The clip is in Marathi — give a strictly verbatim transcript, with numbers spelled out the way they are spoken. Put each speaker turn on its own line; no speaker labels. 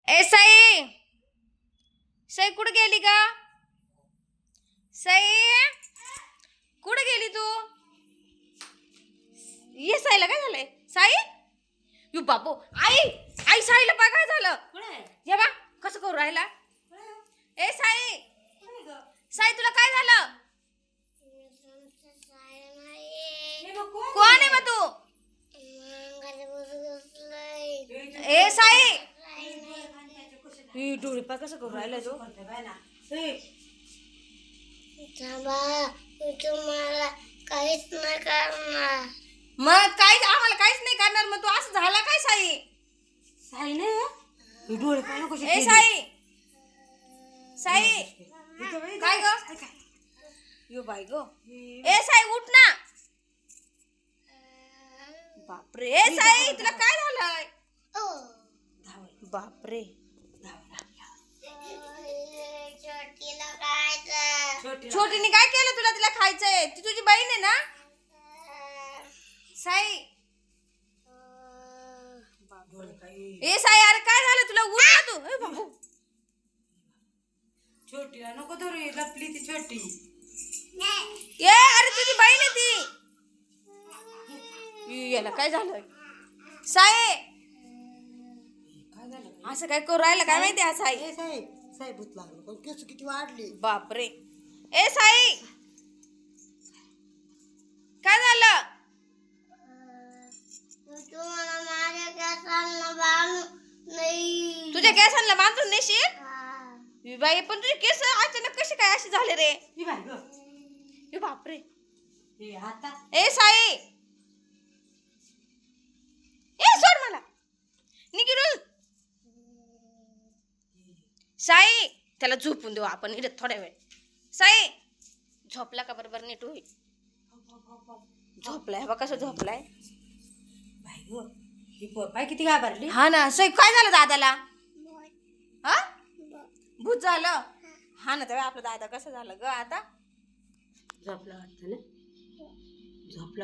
ए साई, साई कुठे गेली का? साई कुठे गेली तू? ये साईला काय झालंय? साई यू बापू, आई आई साईला पाय काय झालं? ये बा कसं करू राहिला? ए साई, साई तुला काय झालं? कोण आहे मग तू? ए साई, डोळे पाय कसं करू राहिला तू?
तुम्हाला काहीच नाही करणार.
मग काय आम्हाला काहीच नाही करणार. मग तू असं झाला काय साई?
साई नाही डोळे पाहिजे कसे
ए साई, साई काय ग? यो बाई ग. ए साई उठ ना. बापरे. ए साई तुला काय झालंय? बापरे.
छोटीला खायचं.
छोटीने काय केलं तुला? तिला खायचंय. ती तुझी बहीण आहे ना? साई. ए साई अरे काय झालं तुला? उठ ना तू. ए बाबू
छोटीला नको धरू, लपली ती छोटी.
ए अरे तुझी बहीण आहे ती. याला काय झालं? साई
काय झालं?
असं काय करू राहिलं काय माहिती? हा साई.
ए साई, साई भूत लागलं पण केस किती वाढली.
बापरे. ए साई काय झालं?
तुम्हाला माझ्या केसांना बांधू नाही.
तुझ्या केसांना बांधून नेशील?
हा.
ए बाई पण तुझे केस अचानक कसे काय असे झाले रे?
ही बाई ग.
ए बापरे.
हे आता
ए साई, ए सोड मला. निघून साई त्याला झोपून देऊ आपण इथे थोड्या वेळ. साई झोपला का? बरोबर नीट होईल. झोपलाय बा. कसं झोपलाय?
बाई ग, ही पोर पाय किती घाबरली.
हा ना. साई काय झालं दादाला? हा भूत झालं. हा ना. तेव्हा आपला दादा कसं झालं ग आता?
झोपला वाटतं ना? झोपला.